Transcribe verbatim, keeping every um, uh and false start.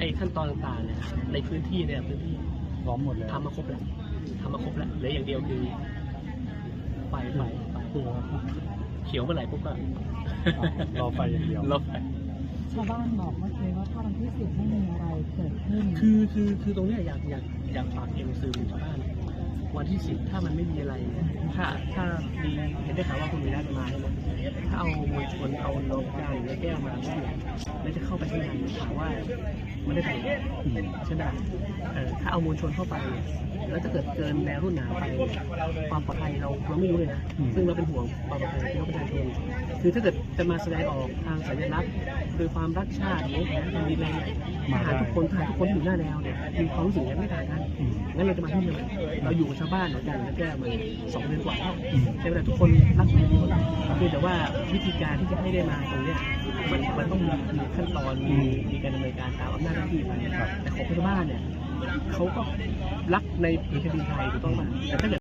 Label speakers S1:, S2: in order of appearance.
S1: อ้ขั้นตอนต่างๆเนี่ยในพื้นที่เนี่ยพื้นที่
S2: พร้อมหมดเลย
S1: ทำมาครบแล้วทำมาครบแล้วเหลืออย่างเดียวคือไฟไฟไฟเขียวเมื่อไหร่ปุ๊บก็
S2: รอไฟอย่างเดียว
S1: รอไฟ
S3: ชาวบ้านบอกเมื่อกี้ว่าถ้าวันที่สิบไม่มีอะไรเกิดขึ้น
S1: คือคือคือตรงนี้อยากอยากอยากฝากเอ็มซื้อชาวบ้านวันที่สิบถ้ามันไม่มีอะไรถ้าถ้ามีเห็นได้ข่าวว่าคุณมีนัดมาใช่ไหมถ้าเอามวลชนเอาโลกาหรือแก้วมาแล้วจะเข้าไปข้างในถามว่าไม่ได้ไปใช่ไหมเออถ้าเอามวลชนเข้าไปแล้วถ้าเกิดเกินแนวรุ่นหนาวไปความปลอดภัยเราเราไม่รู้เลยนะซึ่งเราเป็นห่วงความปลอดภัยของพี่น้องประชาชนคือถ้าเกิดจะมาแสดงออกทางสัญลักษณ์โดยความรักชาติหรือแผนการดีเลยทหารทุกคนทหารทุกคนที่อยู่หน้าแนวเนี่ยมีความรู้สึกยังไม่ต่างกันงั้นเราจะมาที่นี่เราอยู่กับชาวบ้านเหมือนกันแล้วแก้มาสองเดือนกว่าใช่ไหมทุกคนรักกันดีหมดเพียงแต่ว่าวิธีการที่จะให้ได้มาตรงเนี้ยมันมันต้องมีขั้นตอนมีมีการดำเนินการตามอำนาจหน้าที่ไปแต่ของชาวบ้านเนี่ยเขาก็รักในผืนแผ่นดินไทยถูกต้องป่ะแต่ถ้าเกิด